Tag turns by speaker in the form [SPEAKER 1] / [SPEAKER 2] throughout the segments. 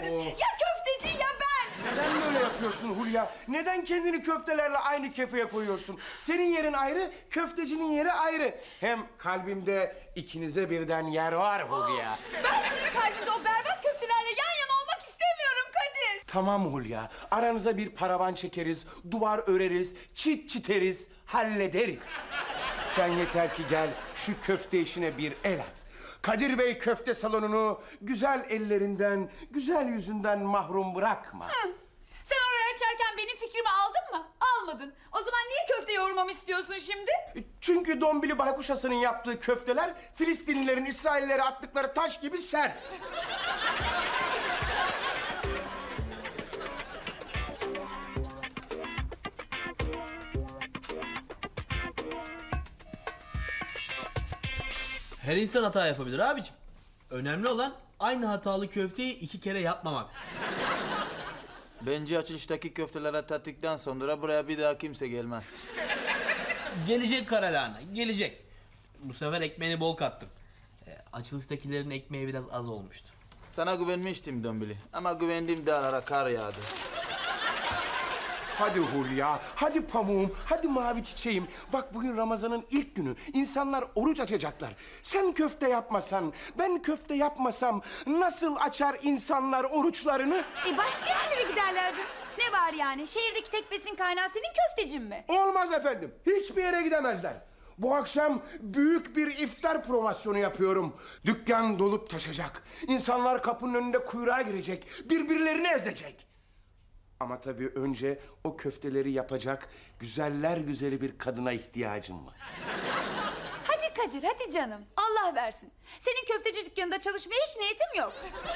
[SPEAKER 1] Kadir. Ya köfteci ya ben.
[SPEAKER 2] Neden böyle yapıyorsun Hulya? Neden kendini köftelerle aynı kefeye koyuyorsun? Senin yerin ayrı, köftecinin yeri ayrı. Hem kalbimde ikinize birden yer var Hulya.
[SPEAKER 1] Ben senin kalbinde o berbat köftelerle yan yana olmak istemiyorum Kadir.
[SPEAKER 2] Tamam Hulya, aranıza bir paravan çekeriz, duvar öreriz, çit çiteriz, hallederiz. Sen yeter ki gel şu köfte işine bir el at. Kadir Bey köfte salonunu güzel ellerinden, güzel yüzünden mahrum bırakma.
[SPEAKER 1] Sen oraya açarken benim fikrimi aldın mı? Almadın. O zaman niye köfte yoğurmamı istiyorsun şimdi?
[SPEAKER 2] Çünkü Dombili Baykuşası'nın yaptığı köfteler Filistinlilerin İsraillilere attıkları taş gibi sert.
[SPEAKER 3] Her insan hata yapabilir abicim. Önemli olan aynı hatalı köfteyi 2 kere yapmamaktır.
[SPEAKER 4] Bence açılıştaki köftelere tattıktan sonra buraya bir daha kimse gelmez.
[SPEAKER 3] Gelecek Karalahana, gelecek. Bu sefer ekmeğini bol kattım. Açılıştakilerin ekmeği biraz az olmuştu.
[SPEAKER 4] Sana güvenmiştim Dombili ama güvendiğim dağlara kar yağdı.
[SPEAKER 2] Hadi Hulya, hadi pamuğum, hadi mavi çiçeğim. Bak bugün Ramazan'ın ilk günü. İnsanlar oruç açacaklar. Sen köfte yapmasan, ben köfte yapmasam nasıl açar insanlar oruçlarını?
[SPEAKER 1] Başka yerlere giderler canım. Ne var yani? Şehirdeki tek besin kaynağı senin köftecin mi?
[SPEAKER 2] Olmaz efendim. Hiçbir yere gidemezler. Bu akşam büyük bir iftar promosyonu yapıyorum. Dükkan dolup taşacak. İnsanlar kapının önünde kuyruğa girecek. Birbirlerini ezecek. Ama tabii önce o köfteleri yapacak güzeller güzeli bir kadına ihtiyacım var.
[SPEAKER 1] Hadi Kadir, hadi canım. Allah versin. Senin köfteci dükkanında çalışmaya hiç niyetim yok.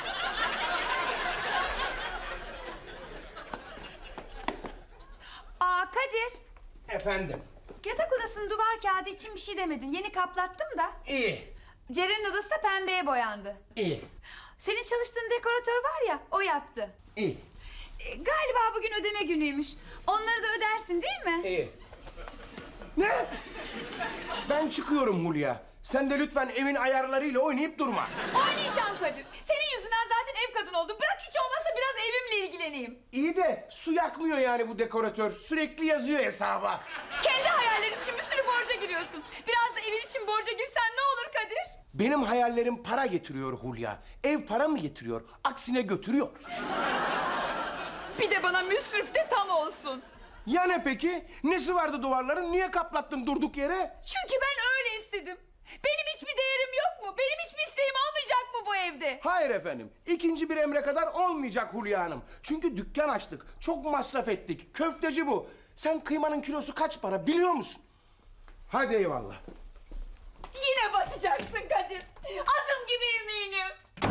[SPEAKER 1] Kadir.
[SPEAKER 2] Efendim.
[SPEAKER 1] Yatak odasının duvar kağıdı için bir şey demedin. Yeni kaplattım da.
[SPEAKER 2] İyi.
[SPEAKER 1] Ceren'in odası da pembeye boyandı.
[SPEAKER 2] İyi.
[SPEAKER 1] Senin çalıştığın dekoratör var ya, o yaptı.
[SPEAKER 2] İyi.
[SPEAKER 1] Galiba bugün ödeme günüymüş. Onları da ödersin değil mi?
[SPEAKER 2] İyi. Ne? Ben çıkıyorum Hulya. Sen de lütfen evin ayarlarıyla oynayıp durma.
[SPEAKER 1] Oynayacağım Kadir. Senin yüzünden zaten ev kadın oldum. Bırak hiç olmazsa biraz evimle ilgileneyim.
[SPEAKER 2] İyi de su yakmıyor yani bu dekoratör. Sürekli yazıyor hesaba.
[SPEAKER 1] Kendi hayallerin için bir sürü borca giriyorsun. Biraz da evin için borca girsen ne olur Kadir?
[SPEAKER 2] Benim hayallerim para getiriyor Hulya. Ev para mı getiriyor? Aksine götürüyor.
[SPEAKER 1] Bir de bana müsrif de tam olsun.
[SPEAKER 2] Ya ne peki? Nesi vardı duvarların? Niye kaplattın durduk yere?
[SPEAKER 1] Çünkü ben öyle istedim. Benim hiçbir değerim yok mu? Benim hiçbir isteğim olmayacak mı bu evde?
[SPEAKER 2] Hayır efendim. İkinci bir emre kadar olmayacak Hulya Hanım. Çünkü dükkan açtık. Çok masraf ettik. Köfteci bu. Sen kıymanın kilosu kaç para biliyor musun? Hadi eyvallah.
[SPEAKER 1] Yine batacaksın Kadir. Adım gibi eminim.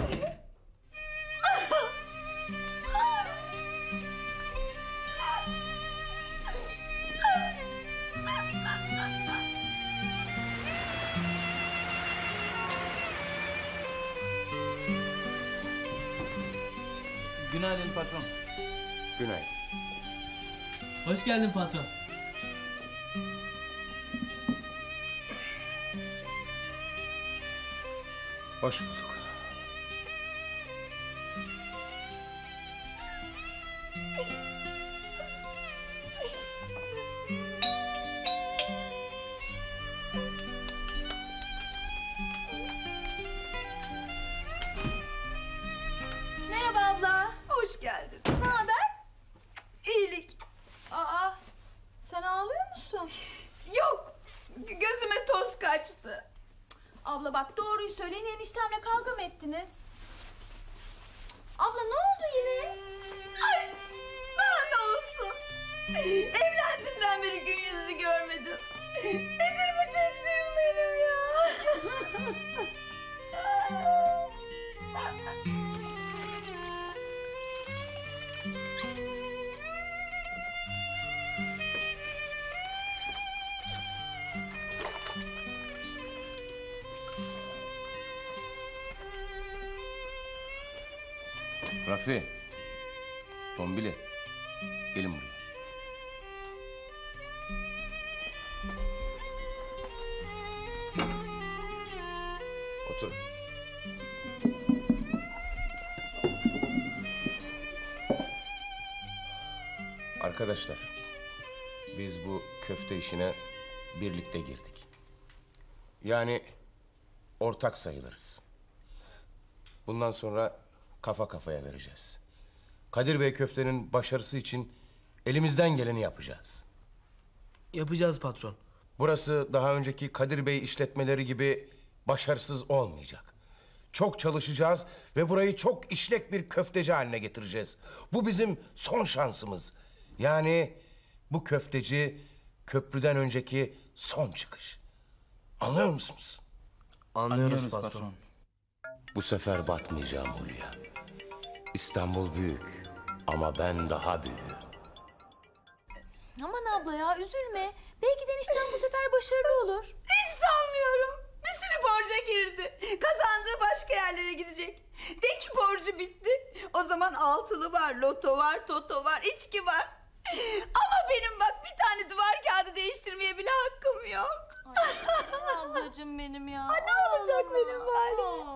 [SPEAKER 4] Günaydın patron.
[SPEAKER 2] Günaydın.
[SPEAKER 3] Hoş geldin patron.
[SPEAKER 2] Hoş bulduk.
[SPEAKER 1] Merhaba abla. Hoş geldin. Ne haber? İyilik. Sen ağlıyor musun? Yok. Gözüme toz kaçtı. Abla bak doğruyu söyleyin, eniştemle kavga mı ettiniz? Abla ne oldu yine? Ay daha ne olsun? Evlendiğimden beri gün yüzü görmedim. Nedir bu çektiğim benim ya?
[SPEAKER 2] Rafi. Dombili. Gelin buraya. Otur. Arkadaşlar, biz bu köfte işine birlikte girdik. Yani ortak sayılırız. Bundan sonra kafa kafaya vereceğiz. Kadir Bey köftenin başarısı için elimizden geleni yapacağız.
[SPEAKER 3] Yapacağız patron.
[SPEAKER 2] Burası daha önceki Kadir Bey işletmeleri gibi başarısız olmayacak. Çok çalışacağız ve burayı çok işlek bir köfteci haline getireceğiz. Bu bizim son şansımız. Yani bu köfteci köprüden önceki son çıkış. Anlıyor musunuz?
[SPEAKER 3] Anlıyoruz patron.
[SPEAKER 2] Bu sefer batmayacağım Hulya. İstanbul büyük ama ben daha büyüğüm.
[SPEAKER 1] Aman abla ya üzülme. Belki de enişten bu sefer başarılı olur. Hiç sanmıyorum. Bir sürü borca girdi. Kazandığı başka yerlere gidecek. De ki borcu bitti. O zaman altılı var, loto var, toto var, içki var. Ama benim bak bir tane duvar kağıdı değiştirmeye bile hakkım yok.
[SPEAKER 5] Ablacığım benim ya.
[SPEAKER 1] Ne olacak benim halim?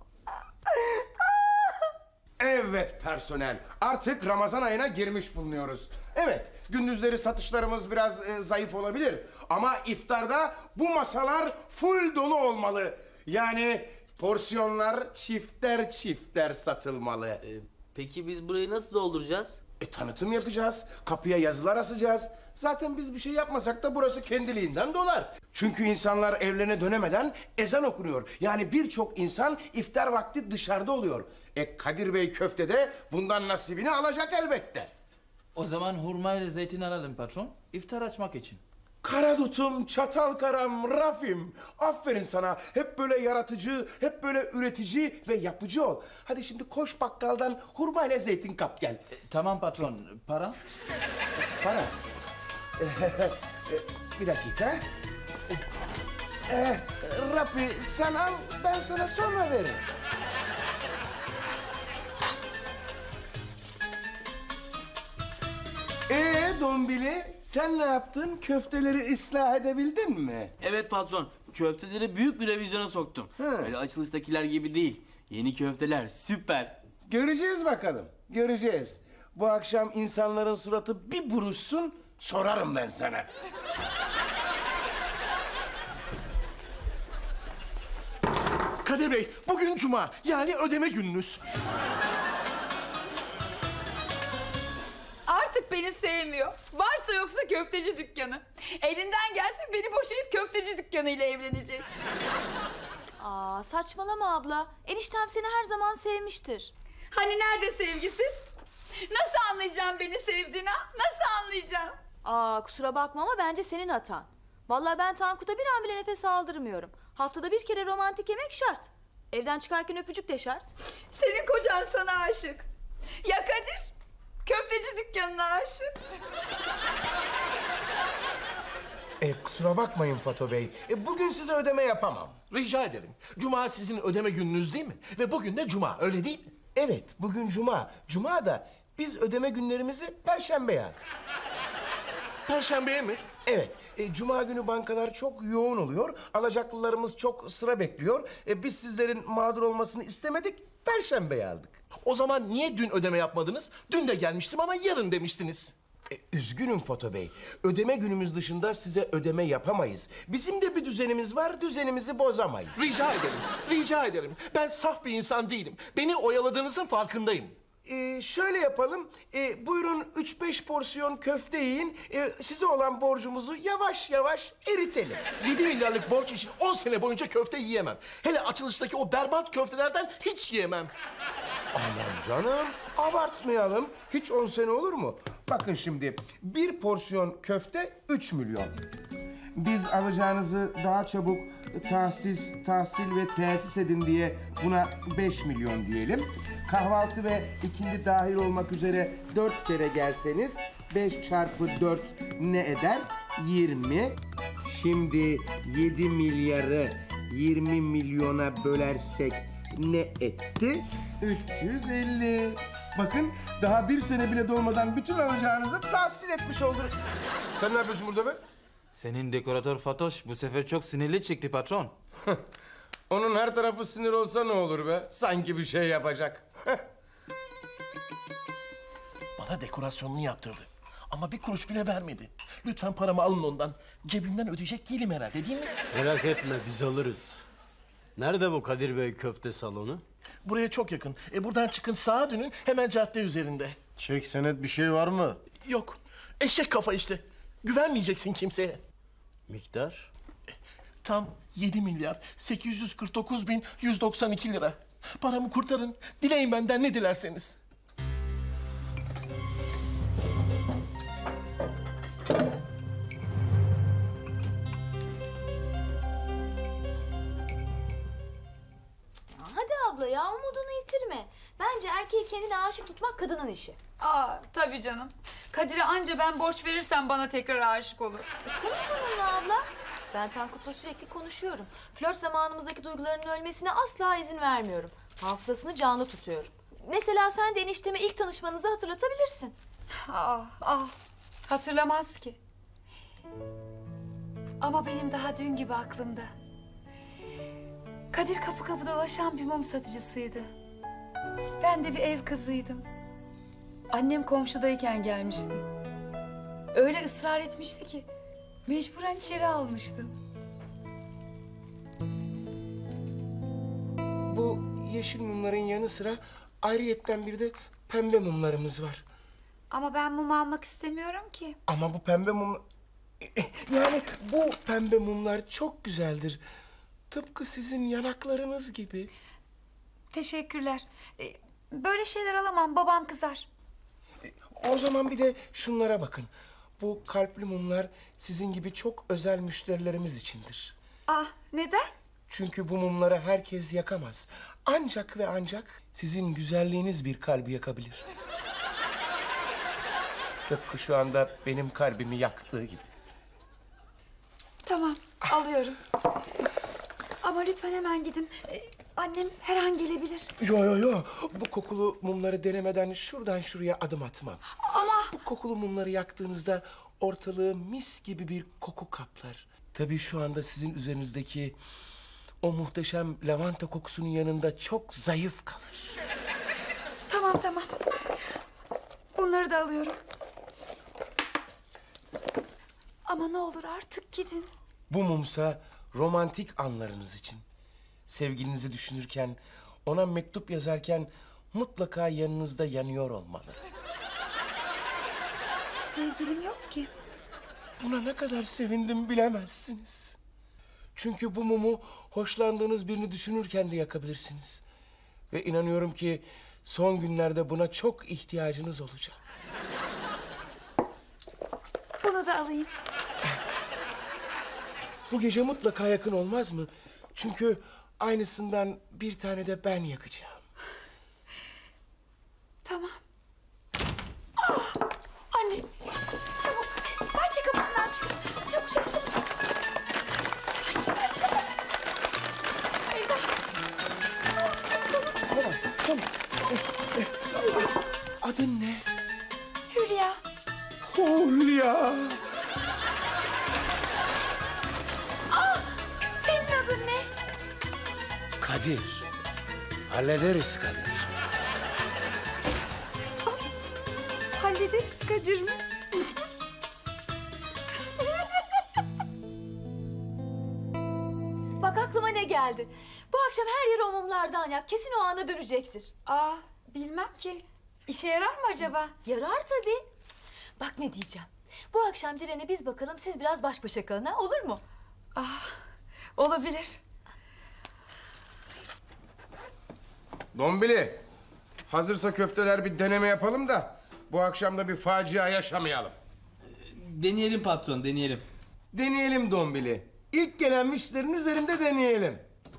[SPEAKER 2] Evet personel, artık Ramazan ayına girmiş bulunuyoruz. Evet, gündüzleri satışlarımız biraz zayıf olabilir. Ama iftarda bu masalar full dolu olmalı. Yani porsiyonlar çifter çifter satılmalı.
[SPEAKER 3] Peki biz burayı nasıl dolduracağız?
[SPEAKER 2] Tanıtım yapacağız, kapıya yazılar asacağız. Zaten biz bir şey yapmasak da burası kendiliğinden dolar. Çünkü insanlar evlerine dönemeden ezan okunuyor. Yani birçok insan iftar vakti dışarıda oluyor. Kadir Bey köfte de bundan nasibini alacak elbette.
[SPEAKER 4] O zaman hurma ile zeytin alalım patron. İftar açmak için.
[SPEAKER 2] Karadutum, çatal karam, Rafim. Aferin sana. Hep böyle yaratıcı, hep böyle üretici ve yapıcı ol. Hadi şimdi koş bakkaldan hurma ile zeytin kap gel.
[SPEAKER 4] Tamam patron. Para?
[SPEAKER 2] Para. Bir dakika. Rafi sen al, ben sana sonra veririm. Dombili, sen ne yaptın? Köfteleri ıslah edebildin mi?
[SPEAKER 3] Evet patron. Köfteleri büyük bir revizyona soktum. Öyle açılıştakiler gibi değil. Yeni köfteler süper.
[SPEAKER 2] Göreceğiz bakalım, göreceğiz. Bu akşam insanların suratı bir buruşsun, sorarım ben sana.
[SPEAKER 6] Kadir Bey, bugün cuma, yani ödeme gününüz.
[SPEAKER 1] Artık beni sevmiyor. Varsa yoksa köfteci dükkanı. Elinden gelse beni boşayıp köfteci dükkanıyla evlenecek.
[SPEAKER 5] Aa, saçmalama abla. Eniştem seni her zaman sevmiştir.
[SPEAKER 1] Hani nerede sevgisi? Nasıl anlayacağım beni sevdiğini? Nasıl anlayacağım?
[SPEAKER 5] Aa, kusura bakma ama bence senin hatan. Vallahi ben Tankut'a bir an bile nefes aldırmıyorum. Haftada bir kere romantik yemek şart. Evden çıkarken öpücük de şart.
[SPEAKER 1] Senin kocan sana aşık. Ya Kadir? Köfteci dükkanına aşık.
[SPEAKER 2] Kusura bakmayın Fato Bey, bugün size ödeme yapamam.
[SPEAKER 6] Rica ederim. Cuma sizin ödeme gününüz değil mi? Ve bugün de cuma, öyle değil mi?
[SPEAKER 2] Evet, bugün cuma. Cuma da biz ödeme günlerimizi perşembeye aldık.
[SPEAKER 6] Perşembeye mi?
[SPEAKER 2] Evet, cuma günü bankalar çok yoğun oluyor. Alacaklılarımız çok sıra bekliyor. Biz sizlerin mağdur olmasını istemedik, perşembeye aldık.
[SPEAKER 6] O zaman niye dün ödeme yapmadınız? Dün de gelmiştim ama yarın demiştiniz.
[SPEAKER 2] Üzgünüm Foto Bey. Ödeme günümüz dışında size ödeme yapamayız. Bizim de bir düzenimiz var, düzenimizi bozamayız.
[SPEAKER 6] Rica ederim, rica ederim. Ben saf bir insan değilim. Beni oyaladığınızın farkındayım.
[SPEAKER 2] Şöyle yapalım. Buyurun 3-5 porsiyon köfte yiyin. Size olan borcumuzu yavaş yavaş eritelim.
[SPEAKER 6] 7 milyarlık borç için 10 sene boyunca köfte yiyemem. Hele açılıştaki o berbat köftelerden hiç yiyemem.
[SPEAKER 2] Aman canım, abartmayalım. Hiç 10 sene olur mu? Bakın şimdi, bir porsiyon köfte 3 milyon. Biz alacağınızı daha çabuk tahsil ve tesis edin diye buna 5 milyon diyelim. Kahvaltı ve ikindi dahil olmak üzere 4 kere gelseniz 5 çarpı 4 ne eder? 20. Şimdi 7 milyarı 20 milyona bölersek ne etti? 350. Bakın daha bir sene bile dolmadan bütün alacağınızı tahsil etmiş olduk. Sen ne yapıyorsun burada be?
[SPEAKER 4] Senin dekoratör Fatoş bu sefer çok sinirli çıktı patron.
[SPEAKER 2] Onun her tarafı sinir olsa ne olur be? Sanki bir şey yapacak.
[SPEAKER 6] Bana dekorasyonunu yaptırdı. Ama bir kuruş bile vermedi. Lütfen paramı alın ondan. Cebimden ödeyecek değilim herhalde, değil mi?
[SPEAKER 7] Merak etme, biz alırız. Nerede bu Kadir Bey köfte salonu?
[SPEAKER 6] Buraya çok yakın. Buradan çıkın, sağa dönün, hemen cadde üzerinde.
[SPEAKER 8] Çek senet bir şey var mı?
[SPEAKER 6] Yok, eşek kafa işte. Güvenmeyeceksin kimseye.
[SPEAKER 7] Miktar?
[SPEAKER 6] Tam 7 milyar 849 bin 192 lira. Paramı kurtarın. Dileyin benden ne dilerseniz.
[SPEAKER 5] Hadi abla ya, umudunu yitirme. Bence erkeği kendine aşık tutmak kadının işi.
[SPEAKER 1] Aa tabii canım. Kadir'e anca ben borç verirsem bana tekrar aşık olur.
[SPEAKER 5] Konuş onunla abla. Ben Tankut'la sürekli konuşuyorum. Flört zamanımızdaki duygularının ölmesine asla izin vermiyorum. Hafızasını canlı tutuyorum. Mesela sen de enişteme ilk tanışmanızı hatırlatabilirsin.
[SPEAKER 1] Hatırlamaz ki. Ama benim daha dün gibi aklımda. Kadir kapı kapı dolaşan bir mum satıcısıydı. Ben de bir ev kızıydım. Annem komşudayken gelmişti. Öyle ısrar etmişti ki mecburen içeri almıştım.
[SPEAKER 2] Bu yeşil mumların yanı sıra ayrıyetten bir de pembe mumlarımız var.
[SPEAKER 1] Ama ben mum almak istemiyorum ki.
[SPEAKER 2] Ama bu pembe mum... Yani bu pembe mumlar çok güzeldir. Tıpkı sizin yanaklarınız gibi.
[SPEAKER 1] Teşekkürler. Böyle şeyler alamam, babam kızar.
[SPEAKER 2] O zaman bir de şunlara bakın. Bu kalpli mumlar sizin gibi çok özel müşterilerimiz içindir.
[SPEAKER 1] Neden?
[SPEAKER 2] Çünkü bu mumları herkes yakamaz. Ancak ve ancak sizin güzelliğiniz bir kalbi yakabilir. Tıpkı şu anda benim kalbimi yaktığı gibi.
[SPEAKER 1] Tamam, alıyorum. Ama lütfen hemen gidin. Annem her an gelebilir.
[SPEAKER 2] Yo. Bu kokulu mumları denemeden şuradan şuraya adım atmam.
[SPEAKER 1] Ama...
[SPEAKER 2] Bu kokulu mumları yaktığınızda ortalığı mis gibi bir koku kaplar. Tabii şu anda sizin üzerinizdeki o muhteşem lavanta kokusunun yanında çok zayıf kalır.
[SPEAKER 1] Tamam. Bunları da alıyorum. Ama ne olur artık gidin.
[SPEAKER 2] Bu mumsa romantik anlarınız için. Sevgilinizi düşünürken, ona mektup yazarken mutlaka yanınızda yanıyor olmalı.
[SPEAKER 1] Sevgilim yok ki.
[SPEAKER 2] Buna ne kadar sevindim bilemezsiniz. Çünkü bu mumu hoşlandığınız birini düşünürken de yakabilirsiniz. Ve inanıyorum ki son günlerde buna çok ihtiyacınız olacak.
[SPEAKER 1] Bunu da alayım.
[SPEAKER 2] Bu gece mutlaka yakın olmaz mı? Çünkü aynısından bir tane de ben yakacağım.
[SPEAKER 1] Tamam. Anne, çabuk. Bahçe kapısını aç. Çabuk. Yavaş. Eyvah.
[SPEAKER 2] Tamam. Adın ne?
[SPEAKER 1] Hülya.
[SPEAKER 2] Hulya.
[SPEAKER 1] Senin adın ne?
[SPEAKER 2] Kadir. Hallederiz Kadir.
[SPEAKER 1] Hallederiz Kadir mi?
[SPEAKER 5] Bak aklıma ne geldi. Bu akşam her yeri o mumlardan yak. Kesin o ana dönecektir.
[SPEAKER 1] Bilmem ki. İşe yarar mı acaba?
[SPEAKER 5] Yarar tabii. Bak ne diyeceğim. Bu akşam Ceren'e biz bakalım, siz biraz baş başa kalın, ha? Olur mu?
[SPEAKER 1] Olabilir.
[SPEAKER 2] Dombili. Hazırsa köfteler bir deneme yapalım da bu akşam da bir facia yaşamayalım.
[SPEAKER 3] Deneyelim patron, deneyelim.
[SPEAKER 2] Deneyelim Dombili. İlk gelen müşterinin üzerinde deneyelim.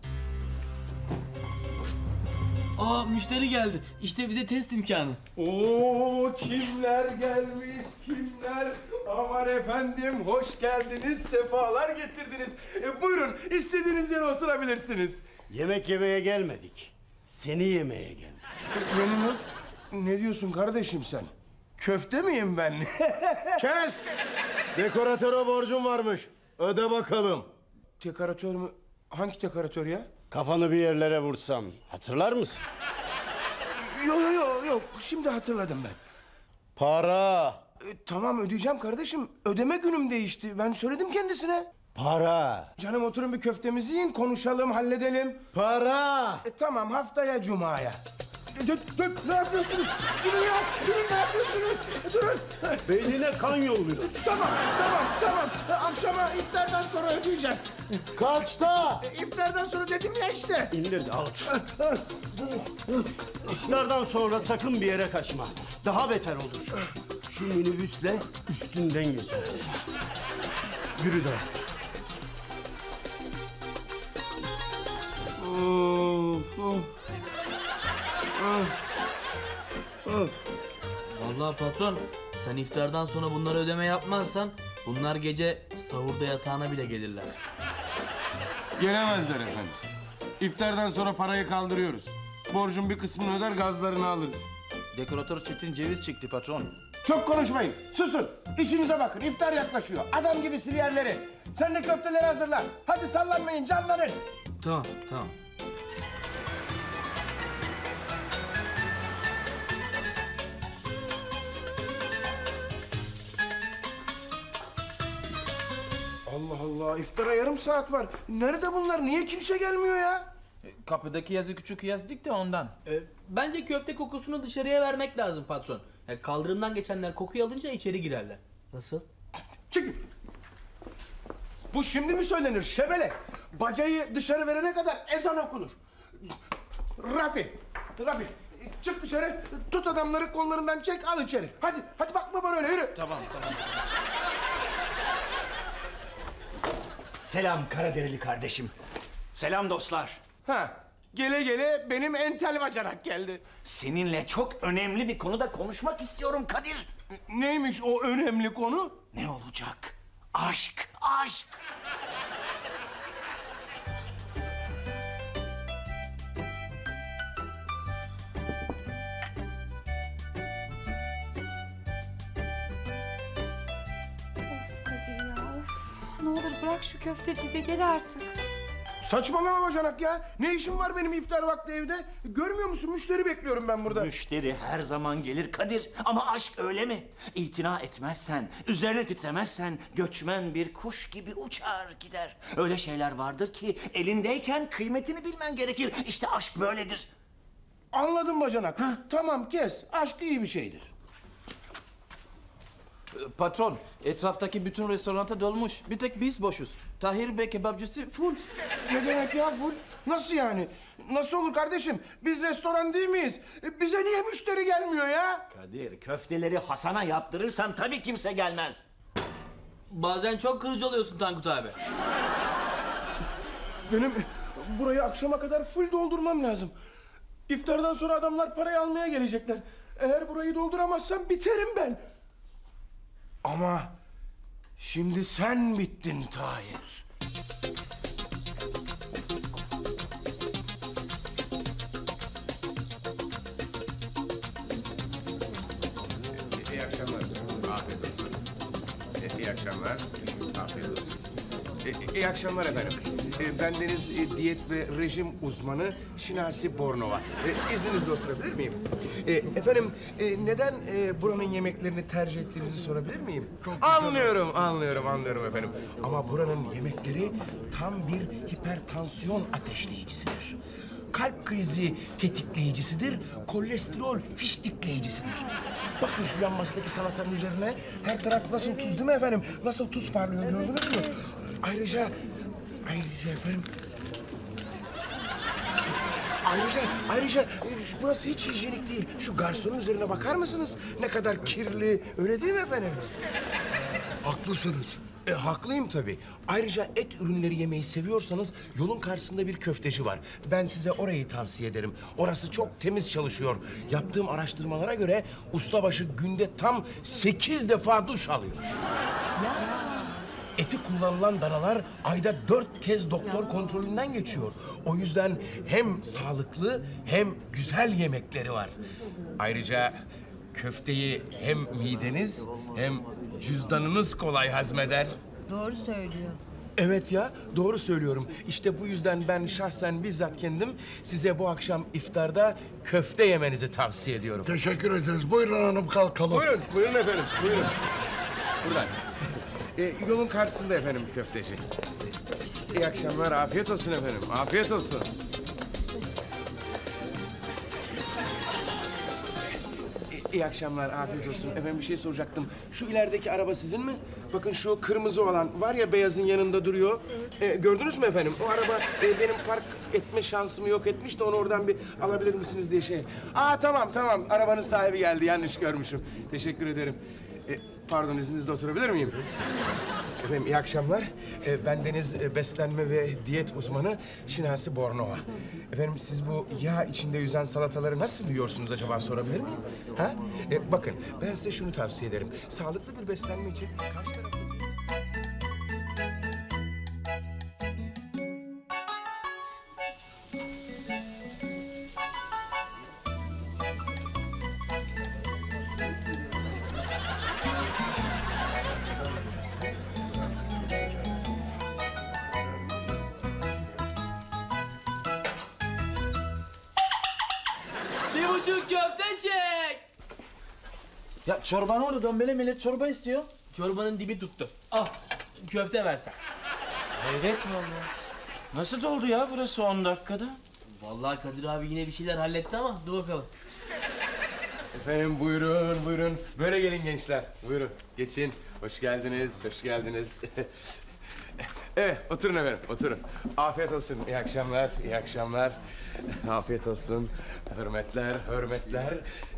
[SPEAKER 3] Müşteri geldi. İşte bize test imkanı.
[SPEAKER 2] Oo, kimler gelmiş kimler? Aman efendim hoş geldiniz, sefalar getirdiniz. Buyurun istediğiniz yere oturabilirsiniz.
[SPEAKER 7] Yemek yemeye gelmedik. Seni yemeye geldik.
[SPEAKER 2] Ne diyorsun kardeşim sen? Köfte miyim ben? Kes!
[SPEAKER 8] Dekoratöre borcum varmış. Öde bakalım.
[SPEAKER 2] Dekoratör mü? Hangi dekoratör ya?
[SPEAKER 7] Kafanı bir yerlere vursam hatırlar mısın?
[SPEAKER 2] Yok. Şimdi hatırladım ben.
[SPEAKER 8] Para.
[SPEAKER 2] Tamam ödeyeceğim kardeşim. Ödeme günüm değişti. Ben söyledim kendisine.
[SPEAKER 7] Para.
[SPEAKER 2] Canım oturun bir köftemizi yiyin, konuşalım, halledelim.
[SPEAKER 7] Para.
[SPEAKER 2] Tamam haftaya cumaya. Dur, ne yapıyorsunuz? Durun ya, durun ne yapıyorsunuz? Durun.
[SPEAKER 7] Beynine kan yolluyor.
[SPEAKER 2] Tamam. Akşama iftardan sonra ödeyeceğim.
[SPEAKER 7] Kaçta?
[SPEAKER 2] İftardan sonra dedim ya işte.
[SPEAKER 7] İndir Davut. İftardan sonra sakın bir yere kaçma. Daha beter olur. Şu minibüsle üstünden geçeriz. Yürü Davut.
[SPEAKER 3] Vallahi patron, sen iftardan sonra bunları ödeme yapmazsan bunlar gece sahurda yatağına bile gelirler.
[SPEAKER 2] Gelemezler efendim. İftardan sonra parayı kaldırıyoruz. Borcun bir kısmını öder, gazlarını alırız.
[SPEAKER 4] Dekoratör Çetin ceviz çekti patron.
[SPEAKER 2] Çok konuşmayın. Susun. İşinize bakın. İftar yaklaşıyor. Adam gibi sil yerleri. Sen de köfteleri hazırla. Hadi sallanmayın, canlanın.
[SPEAKER 3] Tamam.
[SPEAKER 2] Allah Allah, iftara yarım saat var. Nerede bunlar? Niye kimse gelmiyor ya?
[SPEAKER 4] Kapıdaki yazı küçük yazdık da ondan.
[SPEAKER 3] Bence köfte kokusunu dışarıya vermek lazım patron. Kaldırımdan geçenler kokuyu alınca içeri girerler. Nasıl?
[SPEAKER 2] Çıkın. Bu şimdi mi söylenir şebele? Bacayı dışarı verene kadar ezan okunur. Rafi, çık dışarı, tut adamları kollarından çek, al içeri. Hadi bakma bana öyle, yürü.
[SPEAKER 4] Tamam.
[SPEAKER 7] Selam Karaderili kardeşim. Selam dostlar.
[SPEAKER 2] Ha, gele gele benim entel bacanak geldi.
[SPEAKER 7] Seninle çok önemli bir konuda konuşmak istiyorum Kadir.
[SPEAKER 2] Neymiş o önemli konu?
[SPEAKER 7] Ne olacak? Aşk.
[SPEAKER 1] Of Kadir ya of. Ne olur bırak şu köfteci de gel artık.
[SPEAKER 2] Saçmalama bacanak ya. Ne işim var benim iftar vakti evde? Görmüyor musun? Müşteri bekliyorum ben burada.
[SPEAKER 9] Müşteri her zaman gelir Kadir. Ama aşk öyle mi? İtina etmezsen, üzerine titremezsen göçmen bir kuş gibi uçar gider. Öyle şeyler vardır ki elindeyken kıymetini bilmen gerekir. İşte aşk böyledir.
[SPEAKER 2] Anladım bacanak. Tamam kes. Aşk iyi bir şeydir.
[SPEAKER 4] Patron, etraftaki bütün restoranta dolmuş. Bir tek biz boşuz. Tahir Bey kebapçısı full.
[SPEAKER 2] Ne demek ya full? Nasıl yani? Nasıl olur kardeşim? Biz restoran değil miyiz? Bize niye müşteri gelmiyor ya?
[SPEAKER 9] Kadir, köfteleri Hasan'a yaptırırsan tabii kimse gelmez.
[SPEAKER 3] Bazen çok kırıcı oluyorsun Tankut abi.
[SPEAKER 2] Benim burayı akşama kadar full doldurmam lazım. İftardan sonra adamlar parayı almaya gelecekler. Eğer burayı dolduramazsam biterim ben. Ama şimdi sen bittin Tahir.
[SPEAKER 10] İyi akşamlar. Afiyet olsun. İyi akşamlar. Afiyet olsun.
[SPEAKER 2] İyi akşamlar efendim. Bendeniz diyet ve rejim uzmanı Şinasi Bornova. İzninizle oturabilir miyim? Efendim neden buranın yemeklerini tercih ettiğinizi sorabilir miyim? Anlıyorum efendim. Ama buranın yemekleri tam bir hipertansiyon ateşleyicisidir. Kalp krizi tetikleyicisidir, kolesterol fiştikleyicisidir. Bakın şu yanmasındaki salatanın üzerine her taraf nasıl tuz değil mi efendim? Nasıl tuz parlıyor gördünüz mü? Ayrıca efendim... Ayrıca burası hiç hijyenik değil. Şu garsonun üzerine bakar mısınız? Ne kadar kirli, öyle değil mi efendim? Haklısınız. Haklıyım tabii. Ayrıca et ürünleri yemeyi seviyorsanız yolun karşısında bir köfteci var. Ben size orayı tavsiye ederim. Orası çok temiz çalışıyor. Yaptığım araştırmalara göre ustabaşı günde tam 8 defa duş alıyor. Eti kullanılan danalar ayda 4 kez doktor kontrolünden geçiyor. O yüzden hem sağlıklı hem güzel yemekleri var. Ayrıca köfteyi hem mideniz hem cüzdanınız kolay hazmeder.
[SPEAKER 11] Doğru söylüyor.
[SPEAKER 2] Evet ya, doğru söylüyorum. İşte bu yüzden ben şahsen bizzat kendim size bu akşam iftarda köfte yemenizi tavsiye ediyorum.
[SPEAKER 11] Teşekkür ederiz. Buyurun hanım kalkalım.
[SPEAKER 2] Buyurun, buyurun efendim, buyurun. Buradan. Yolun karşısında efendim köfteci. İyi akşamlar, afiyet olsun efendim, afiyet olsun. İyi akşamlar, afiyet olsun. Efendim bir şey soracaktım. Şu ilerideki araba sizin mi? Bakın şu kırmızı olan var ya beyazın yanında duruyor. Gördünüz mü efendim? O araba benim park etme şansımı yok etmiş de onu oradan bir alabilir misiniz diye şey. Aa tamam tamam, arabanın sahibi geldi, yanlış görmüşüm. Teşekkür ederim. Pardon, izninizle oturabilir miyim? Efendim iyi akşamlar. Ben deniz beslenme ve diyet uzmanı Şinasi Bornova. Efendim siz bu yağ içinde yüzen salataları nasıl yiyorsunuz acaba, sorabilir miyim? Ha? Bakın ben size şunu tavsiye ederim. Sağlıklı bir beslenme için karşı tarafı...
[SPEAKER 3] Bir buçuk köfte çek.
[SPEAKER 9] Ya çorba ne oldu Dombele? Millet çorba istiyor.
[SPEAKER 3] Çorbanın dibi tuttu. Al köfte versen.
[SPEAKER 9] Hayret vallahi. Nasıl doldu ya burası 10 dakikada?
[SPEAKER 3] Vallahi Kadir abi yine bir şeyler halletti ama dur bakalım.
[SPEAKER 2] Efendim buyurun, buyurun. Böyle gelin gençler. Buyurun, geçin. Hoş geldiniz, hoş geldiniz. Evet, oturun efendim, oturun. Afiyet olsun, iyi akşamlar, iyi akşamlar. Afiyet olsun. Hürmetler, hürmetler.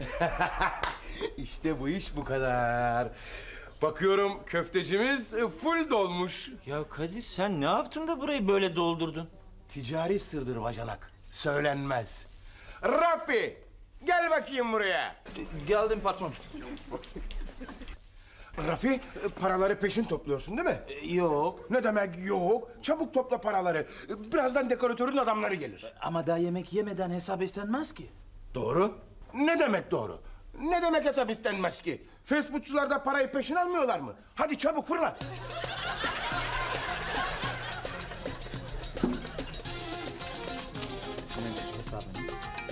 [SPEAKER 2] İşte bu iş bu kadar. Bakıyorum köftecimiz full dolmuş.
[SPEAKER 9] Ya Kadir sen ne yaptın da burayı böyle doldurdun?
[SPEAKER 2] Ticari sırdır bacanak, söylenmez. Rafi, gel bakayım buraya.
[SPEAKER 9] Geldim patron.
[SPEAKER 2] Rafi, paraları peşin topluyorsun değil mi?
[SPEAKER 9] Yok.
[SPEAKER 2] Ne demek yok? Çabuk topla paraları. Birazdan dekoratörün adamları gelir.
[SPEAKER 9] Ama daha yemek yemeden hesap istenmez ki.
[SPEAKER 2] Doğru. Ne demek doğru? Ne demek hesap istenmez ki? Facebookçular da parayı peşin almıyorlar mı? Hadi çabuk fırla.
[SPEAKER 9] Hesabınız.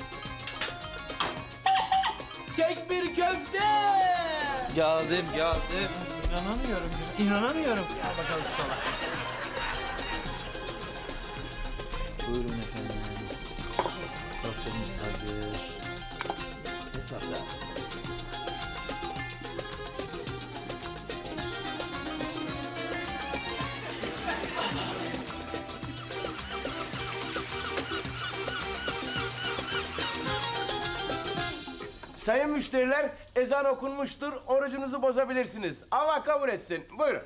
[SPEAKER 3] Çek bir köfte.
[SPEAKER 9] Geldim. İnanamıyorum. İnanamıyorum.
[SPEAKER 3] Gel bakalım sola.
[SPEAKER 9] Buyurun efendim. Köftemiz hazır. Hesapla.
[SPEAKER 2] Sayın müşteriler, ezan okunmuştur. Orucunuzu bozabilirsiniz. Allah kabul etsin. Buyurun.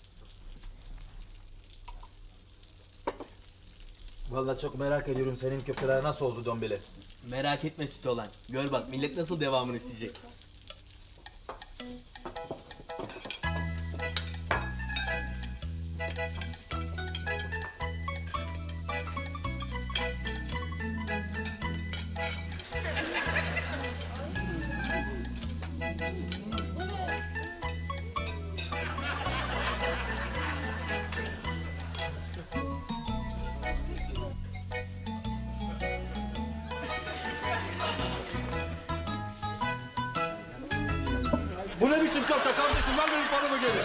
[SPEAKER 9] Vallahi çok merak ediyorum senin köfteler nasıl oldu Dombele?
[SPEAKER 3] Merak etme sütü olan. Gör bak millet nasıl devamını isteyecek.
[SPEAKER 8] Bu ne biçim köfte kardeşim? Ver benim paramı geri.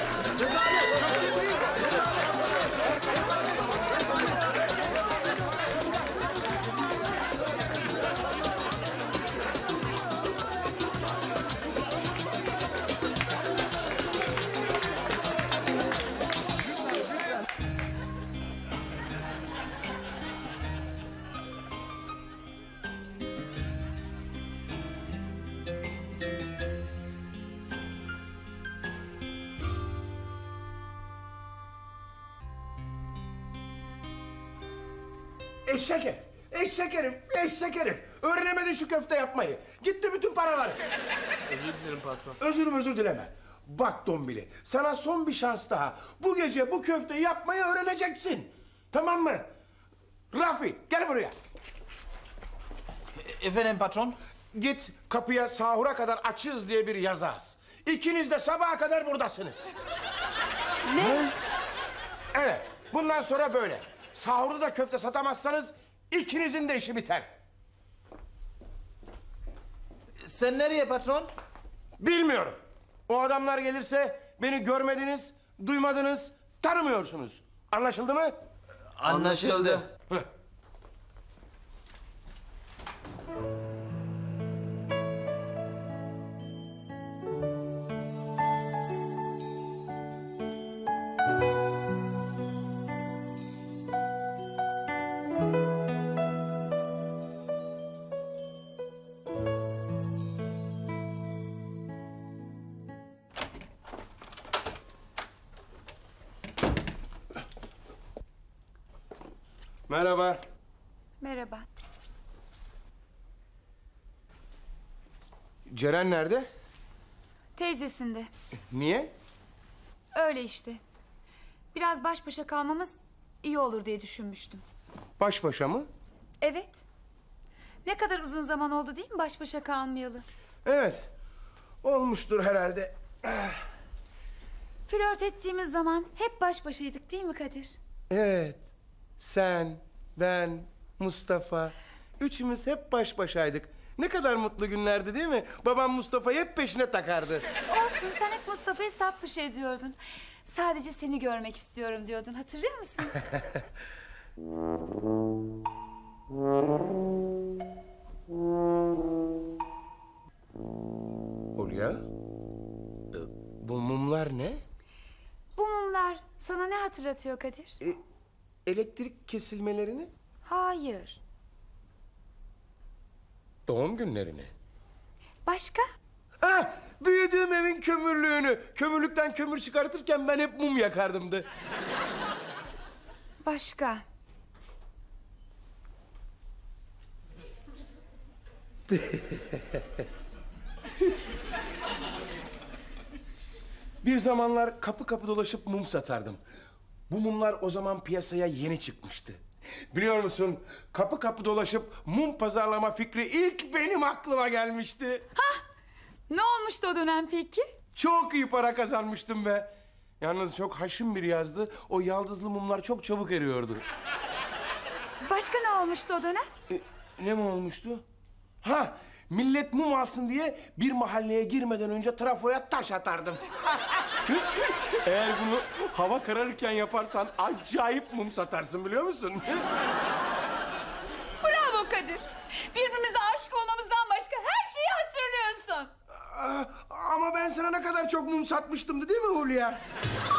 [SPEAKER 2] Eşek herif, eşek herif, eşek herif. Öğrenemedin şu köfte yapmayı. Gitti bütün paralar.
[SPEAKER 3] Özür dilerim patron.
[SPEAKER 2] Özür dileme. Bak Dombili, sana son bir şans daha. Bu gece bu köfteyi yapmayı öğreneceksin. Tamam mı? Rafi, gel buraya.
[SPEAKER 9] Efendim patron?
[SPEAKER 2] Git kapıya sahura kadar açığız diye bir yazı as. İkiniz de sabaha kadar buradasınız.
[SPEAKER 5] Ne?
[SPEAKER 2] Evet, Bundan sonra böyle. Sahurda da köfte satamazsanız ikinizin de işi biter.
[SPEAKER 4] Sen nereye patron?
[SPEAKER 2] Bilmiyorum. O adamlar gelirse beni görmediniz, duymadınız, tanımıyorsunuz. Anlaşıldı mı?
[SPEAKER 4] Anlaşıldı.
[SPEAKER 2] Hı. Merhaba.
[SPEAKER 1] Merhaba.
[SPEAKER 2] Ceren nerede?
[SPEAKER 1] Teyzesinde.
[SPEAKER 2] Niye?
[SPEAKER 1] Öyle işte. Biraz baş başa kalmamız iyi olur diye düşünmüştüm.
[SPEAKER 2] Baş başa mı?
[SPEAKER 1] Evet. Ne kadar uzun zaman oldu değil mi baş başa kalmayalı?
[SPEAKER 2] Evet. Olmuştur herhalde.
[SPEAKER 1] Flört ettiğimiz zaman hep baş başaydık değil mi Kadir?
[SPEAKER 2] Evet. Sen, ben, Mustafa. Üçümüz hep baş başaydık. Ne kadar mutlu günlerdi değil mi? Babam Mustafa'yı hep peşine takardı.
[SPEAKER 1] Olsun, sen hep Mustafa'yı sap dışı ediyordun. Sadece seni görmek istiyorum diyordun, hatırlıyor musun?
[SPEAKER 2] Hulya, bu mumlar ne?
[SPEAKER 1] Bu mumlar sana ne hatırlatıyor Kadir?
[SPEAKER 2] Elektrik kesilmelerini,
[SPEAKER 1] Hayır.
[SPEAKER 2] doğum günlerini.
[SPEAKER 1] Başka?
[SPEAKER 2] Ah, büyüdüğüm evin kömürlüğünü. Kömürlükten kömür çıkartırken ben hep mum yakardımdı.
[SPEAKER 1] Başka.
[SPEAKER 2] Bir zamanlar kapı kapı dolaşıp mum satardım. Bu mumlar o zaman piyasaya yeni çıkmıştı. Biliyor musun, kapı kapı dolaşıp mum pazarlama fikri ilk benim aklıma gelmişti.
[SPEAKER 1] Ne olmuştu o dönem peki?
[SPEAKER 2] Çok iyi para kazanmıştım be. Yalnız çok haşin bir yazdı. O yaldızlı mumlar çok çabuk eriyordu.
[SPEAKER 1] Başka ne olmuştu o dönem?
[SPEAKER 2] Ne mi olmuştu? Ha, millet mum alsın diye bir mahalleye girmeden önce trafoya taş atardım. Eğer bunu hava kararırken yaparsan acayip mum satarsın, biliyor musun?
[SPEAKER 1] Bravo Kadir. Birbirimize aşık olmamızdan başka her şeyi hatırlıyorsun.
[SPEAKER 2] Ama ben sana ne kadar çok mum satmıştım, değil mi Hulya?